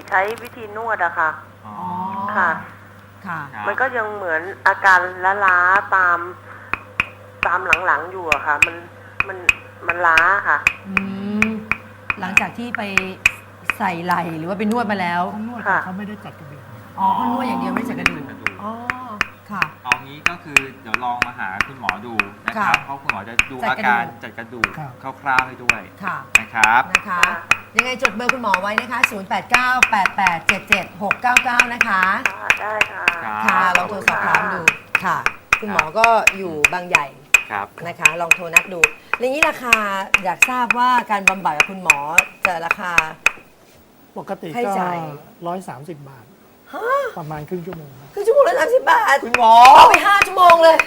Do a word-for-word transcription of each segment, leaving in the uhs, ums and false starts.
ใช้วิธีนวดอะค่ะอ๋อค่ะค่ะครับมันก็ยังเหมือนอาการล้าๆตามตามหลังๆอยู่อะค่ะ มันมันมันล้าค่ะอืมหลังจากที่ไปใส่ไหล่หรือว่าไปนวดมาแล้วเขานวดค่ะแต่เขาไม่ได้จัดกระดูกอ๋อเขานวดอย่างเดียวไม่ใส่กระดูกไม่ใส่กระดูกอ๋อค่ะเอางี้ก็คือเดี๋ยวลองมาหาคุณหมอดูนะครับค่ะเพราะคุณหมอจะดูจัดอากระดูกการจัดกระดูกคร่าวๆให้ด้วยค่ะนะครับนะคะ ยังไงจดเบอร์คุณหมอไว้นะคะ ศูนย์ แปด เก้า แปด แปด เจ็ด เจ็ด หก เก้า เก้า นะคะค่ะได้ค่ะครับค่ะลองโทรสอบถามดูค่ะ คุณหมอก็อยู่บางใหญ่ครับนะคะ ลองโทรนัดดูอย่างนี้ราคาอยากทราบว่าการบำบัดกับคุณหมอจะราคาปกติให้ก็จ่ายร้อยสามสิบบาท ประมาณครึ่งชั่วโมงครับคือชั่วโมงละสามสิบบาทคุณหมอเอาไปห้าชั่วโมงเลย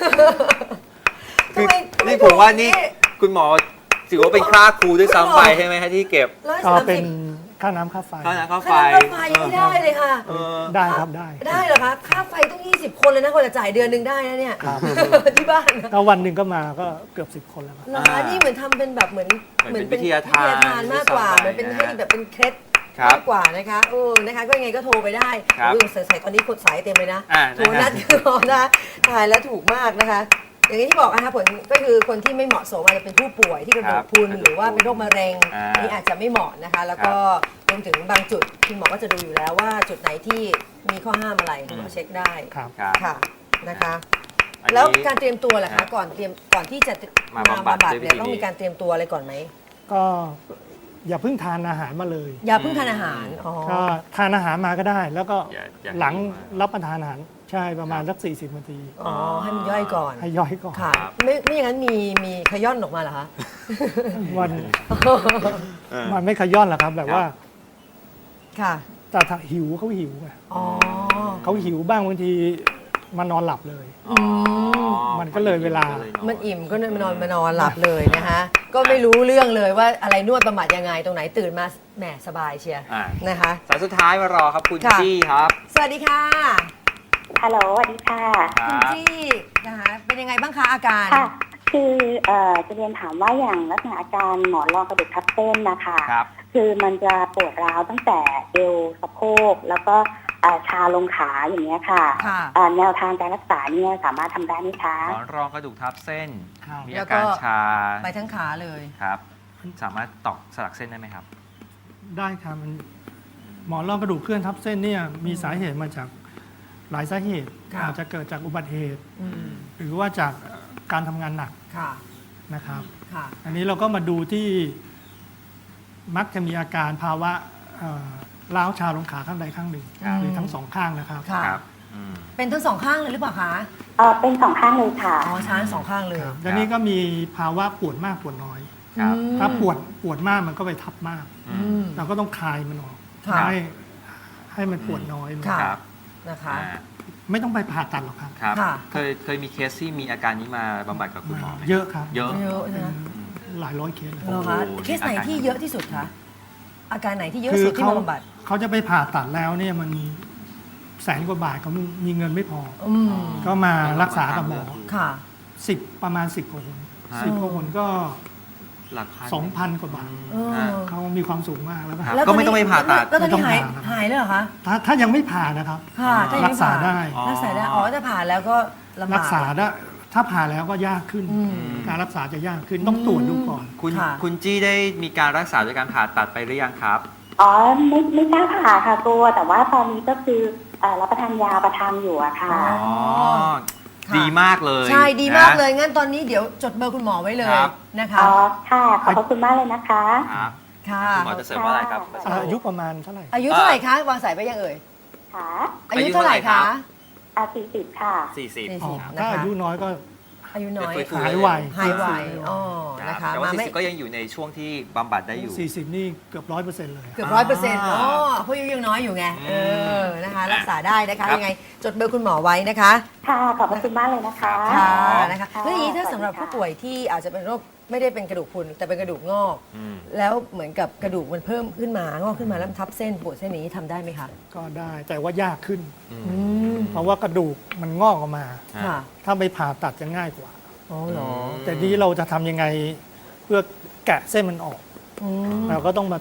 คือทำไมทำไนี่ผมว่านี่ถูกคุณหมอถือว่าเป็นค่าครูด้วยซ้ำไปใช่ไหมฮะที่เก็บร้อยก็สามเป็สินบค่าน้ำค่าไฟค่าน้ำค่าไฟค่าน้ำไฟยังไม่ได้เลยค่ะเออได้ครับได้ได้เหรอคะ ค่าไฟต้องยี่สิบคนเลยนะคนจะจ่ายเดือนหนึ่งได้นะเนี่ยครับที่บ้านนะก็วันหนึ่งก็มาก็เกือบสิบคนแล้วครับเหรอคะนี่เหมือนทำเป็นแบบเหมือนเหมือนเป็นวิทยาทานวิทยาทานมากกว่าด้วยซ้ำไปเหมือนเป็นนะให้แบบเป็นเคล็ดครับมากกว่านะคะเออนะคะก็ยังไงก็โทรไปได้ครับอุ้ยใส่ตอนนี้กดสายเต็มเลยนะอ่าโทรนัดนะฮะรอนะถ่ายแล้วถูกมากนะคะ อย่างที่บอกนะคะผลก็คือคนที่ไม่เหมาะสมอาจจะเป็นผู้ป่วยที่กระดูกพรุนหรือว่าเป็นโรคมะเร็งอ่านี่อาจจะไม่เหมาะนะคะ แล้วก็รวมถึงบางจุดคุณหมอก็จะดูอยู่แล้วว่าจุดไหนที่มีข้อห้ามอะไรคุณหมอเช็คได้ครับครับค่ะนะคะอันนี้แล้วการเตรียมตัวล่ะครัคะบก่อนเตรียมก่อนที่จะมาบำบัดด้วยวิเนี่ยธีต้องนี้มีการเตรียมตัวอะไรก่อนไหมก็อย่าเพิ่งทานอาหารมาเลยอย่าเพิ่งทานอาหารอ๋อก็ทานอาหารมาก็ได้ แล้วก็อย่าอย่าหลังหิวมากรับประทานอาหารใช่ประมาณสักสี่สิบนาทีอ๋อให้มันย่อยก่อนให้ย่อยก่อนค่ะครับไม่ไม่อย่างนั้นมีมีขย้อนออกมาเหรอคะวันเออมันไม่ขย้อนหรอกครับ แบบว่าค่ะแต่ถ้าหิวเขาหิวไงอ๋อเขาหิวบ้างบางทีมานอนหลับเลยอ๋อมันก็เลยเวลามันอิ่มก็นอนมานอนมานอนหลับเลยนะคะก็ไม่รู้เรื่องเลยว่าอะไรนวดบำบัดยังไงตรงไหนตื่นมาแหมสบายเชียร์อ่านะคะสายสุดท้ายมารอครับคุณค่ะจี้ครับสวัสดีค่ะฮัลโหลสวัสดีค่ะคคุณรับจี้นะคะเป็นยังไงบ้างคะอาการค่ะ คือเอ่อจะเรียนถามว่าอย่างลักษณะอาการหมอนรองกระดูกทับเส้นนะคะครับคือมันจะปวดร้าวตั้งแต่เอวสะโพกแล้วก็เอ่อชาลงขาอย่างเงี้ยค่ะค่ะเอ่อแนวทางการรักษาเนี่ยสามารถทำได้ไหมคะหมอนรองกระดูกทับเส้นครับมีแล้อาวก็การชาไปทั้งขาเลยครับ สามารถตอกสลักเส้นได้ไหมครับได้ครับมันหมอนรองกระดูกเคลื่อนทับเส้นเนี่ยมีสาเหตุมาจากหลายสาเหตุค่ะอาจจะเกิดจากอุบัติเหตุอืมหรือว่าจากเอ่อการทำงานหนักค่ะนะครับค่ะอันนี้เราก็มาดูที่มักจะมีอาการภาวะเอ่อร้าวชาลงขาข้างใดข้างหนึ่งครับหรือทั้งสองข้างนะครับค่ะครับอืมเป็นทั้งสองข้างเลยหรือเปล่าคะเอ่อเป็นสองข้างเลยค่ะอ๋อช้าทั้งสองข้างเลยครับแล้วนี่ก็มีภาวะปวดมากปวดน้อยครับอืมถ้าปวดปวดมากมันก็ไปทับมากอือืมมเราก็ต้องคลายมันออกค่ะให้ให้มันปวดน้อยลงค่ะครับนะคะอ่าไม่ต้องไปผ่าตัดหรอกครับครับค่ะเคยเคยมีเคสที่มีอาการนี้มาบำบัดกับคุณหมอไหมเยอะครับเยอะเยอะนะหลายร้อยเคสเลยเหรอคะโอ้โหเคสไหนที่เยอะที่สุดคะ อาการไหนที่เยอะคือสุดที่เขามาบำบัดเขาจะไปผ่าตัดแล้วเนี่ยมันแสนกว่าบาทเขามีเงินไม่พออืมก็มารักษากับหมอค่ะสิบประมาณสิบกว่าคนฮะสิบกว่าคนก็หลักพันสองพันกว่าบาทเออฮะเขามีความสูงมากแล้วก็ครับแล้วก็ไม่ต้องไปผ่าตัดแล้วตอนนี้หายไม่ต้องผ่าหายเลยเหรอคะถ้าถ้ายังไม่ผ่านะครับค่ะถ้ายังรัไม่กษาผ่ได้อ๋อรักษาได้ อ๋อถ้าผ่าแล้วก็ลำบากรักษาได้ถ้าผ่าแล้วก็ยากขึ้นอืมการรักษาจะยากขึ้นต้องตรวจดูก่อนคุณค่ะคุณจี้ได้มีการรักษาด้วยการผ่าตัดไปหรือยังครับอ๋อไม่ไม่กล้าผ่าค่ะกลัวแต่ว่าตอนนี้ก็คือเอ่อรับประทานยาประทังอยู่อะค่ะอ๋อ ค่ะดีมากเลยใช่ดีมากนะเลย งั้นตอนนี้เดี๋ยวจดเบอร์คุณหมอไว้เลยครับนะคะอ๋อ ค่ะ ขอบพระคุณมากเลยนะคะครับค่ะคุณหมอจะเสริมว่าอะไรครับอายุประมาณเท่าไหร่อายุเท่าไหร่คะ วางสายไปยังเอ่ยค่ะอายุเท่าไหร่คะอาสี่สิบค่ะสี่สิบสี่อ๋สิอบนะคะถ้าอายุน้อยก็อายุน้อยเดี๋ยวคุหายไวหายไวฟื้นฟูอ๋อครับนะคะแต่ว่ามาสี่ไม่สิบก็ยังอยู่ในช่วงที่บำบัดได้อยู่สี่สิบนี่เกือบร้อยเปอร์เซ็นต์เลยเกือบร้อยเปอร์เซ็นต์อ่าอ๋อเพราะอายุยังน้อยอยู่ไง เออ นะคะ รักษาได้นะคะครับยังไง จดเบอร์คุณหมอไว้นะคะค่ะ ขอบพระคุณมากเลยนะคะค่ะอ๋อนะคะค่ะแล้วอย่างนี้ถ้าสำหรับสวัสดีค่ะผู้ป่วยที่อาจจะเป็นโรคไม่ได้เป็นกระดูกพรุนแต่เป็นกระดูกงอกอืมแล้วเหมือนกับกระดูกมันเพิ่มขึ้นมางอกขึ้นมาแล้วมันทับเส้นปวดเส้นนี้ทำได้ไหมคะก็ได้แต่ว่ายากขึ้นอืมอืมเพราะว่ากระดูกมันงอกออกมาค่ะถ้าไปผ่าตัดจะง่ายกว่าอ๋อเหรอแต่นี้เราจะทำยังไงเพื่อแกะเส้นมันออกอืมเราก็ต้องมา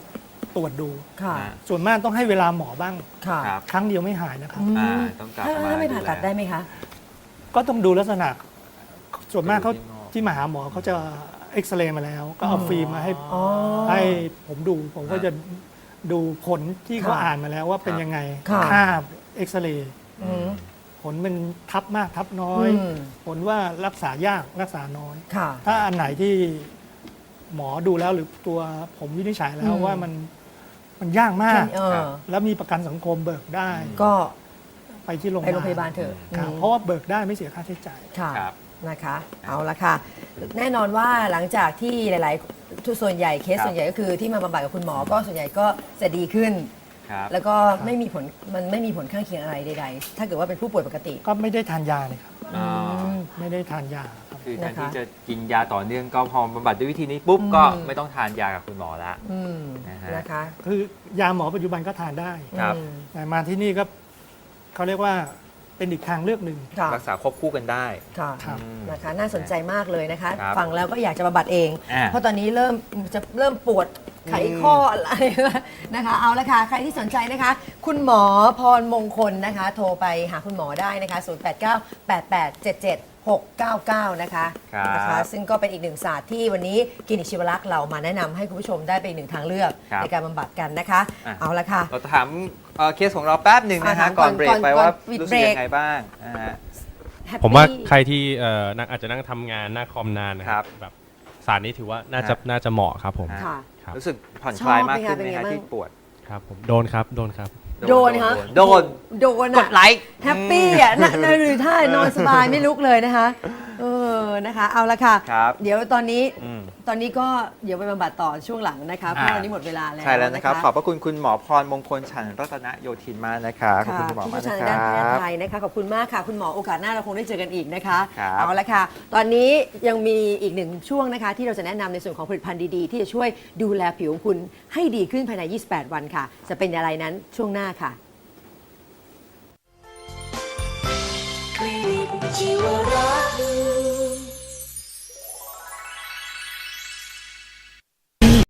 ตรวจดูค่ะอ่าส่วนมากต้องให้เวลาหมอบ้างค่ะครับครั้งเดียวไม่หายนะครับอืมอ่าต้องกลับถ้ามาถ้าไม่ผ่าตัดดูแลได้ไหมคะก็ต้องดูลักษณะส่วนมากเขาดูที่งอกที่มาหาหมอเขาจะเอ็กซเรย์มาแล้ว ก็เอาฟิล์มมาให้อ๋อให้ผมดู ผมก็จะดูผลที่เขาค่ะอ่านมาแล้วว่าเป็นยังไงค่ะภาพเอ็กซเรย์อืมผลเป็นทับมากทับน้อยอืมผลว่ารักษายากรักษาน้อยค่ะถ้าอันไหนที่หมอดูแล้วหรือตัวผมวินิจฉัยแล้วอืมว่ามันมันยากมากเออแล้วมีประกันสังคมเบิกได้ก็ไปที่โรงพไปยาบาลโรงพยาบาลเถอะครับอืมเพราะว่าเบิกได้ไม่เสียค่าใช้จ่ายค่ะครับนะคะ เอาละค่ะ แน่นอนว่าหลังจากที่หลายๆทุกส่วนใหญ่เคสครับส่วนใหญ่ก็คือที่มาบำบัดกับคุณหมอก็ส่วนใหญ่ก็จะดีขึ้นครับแล้วก็ไม่มีผลมันไม่มีผลข้างเคียงอะไรใดๆ ถ้าเกิดว่าเป็นผู้ป่วยปกติก็ไม่ได้ทานยาเลยครับอ๋อไม่ได้ทานยาครับคือแทนนะคะที่จะกินยาต่อเนื่องก็พอบำบัดด้วยวิธีนี้ปุ๊บอืมก็ไม่ต้องทานยากับคุณหมอละอืมนะฮะนะคะคือยาหมอปัจจุบันก็ทานได้ครับอืมแต่มาที่นี่ก็เขาเรียกว่าเป็นอีกทางเลือกหนึ่งค่ะรักษาควบคู่กันได้ค่ะครับอืมนะคะ น่าสนใจมากเลยนะคะครับฟังแล้วก็อยากจะบำบัดเองอ่าเพราะตอนนี้เริ่มจะเริ่มปวดไขข้ออะไรนะคะ เอาละค่ะ ใครที่สนใจนะคะ คุณหมอพรมงคลนะคะ โทรไปหาคุณหมอได้นะคะ ศูนย์ แปด เก้า แปด แปด เจ็ด เจ็ด หก เก้า เก้า นะคะครับนะคะ ซึ่งก็เป็นอีกหนึ่งศาสตร์ที่วันนี้คลินิกชีวรักษ์เรามาแนะนำให้คุณผู้ชมได้เป็นอีกหนึ่งทางเลือกครับในการบำบัดกันนะคะอ่ะเอาละค่ะเราถามเอ่อเคสของเราแป๊บหนึ่งนะอ่าฮะถามก่อนเบรกก่อนไปก่อนว่าปิดรู้เบสึรกกยังไงบ้างอ่าฮะ Happy ผมว่าใครที่เอ่อนักอาจจะนั่งทำงานหน้าคอมนานนะคครัรับบแบบสารนี้ถือว่าน่าจะฮะน่าจะเหมาะครับผมฮะค่ะครับรู้สึกผ่อนคลายมากขึ้นชอบไหไหมมคะฮะเป็นไงบ้างที่ปวดครับผมโดนครับโดนครับโดนฮะโดนโดนกอะดไลค์แฮปปี้อ่ะนั่งหรือท่านอนสบายไม่ลุกเลยนะคะ เออนะคะ เอาละค่ะครับเดี๋ยวตอนนี้อืมตอนนี้ก็เดี๋ยวไปบำบัดต่อช่วงหลังนะคะเพราะอ่าวันนี้หมดเวลาแล้วใช่แล้วนะครับะขอบพระคุณคุณหมอพรมงคลฉันรัตนโยธินมากนะครับขอบคุณคุณหมอผู้มากเชี่ยวนะชาญคด้านแพรัทย์บไทยนะคะขอบคุณมากค่ะ คุณหมอโอกาสหน้าเราคงได้เจอกันอีกนะคะครับเอาละค่ะ ตอนนี้ยังมีอีกหนึ่งช่วงนะคะ ที่เราจะแนะนำในส่วนของผลิตภัณฑ์ดีๆ ที่จะช่วยดูแลผิวของคุณให้ดีขึ้นภายใน ยี่สิบแปด วันค่ะ จะเป็นอะไรนั้นช่วงหน้าค่ะคลินิกชีวรักษ์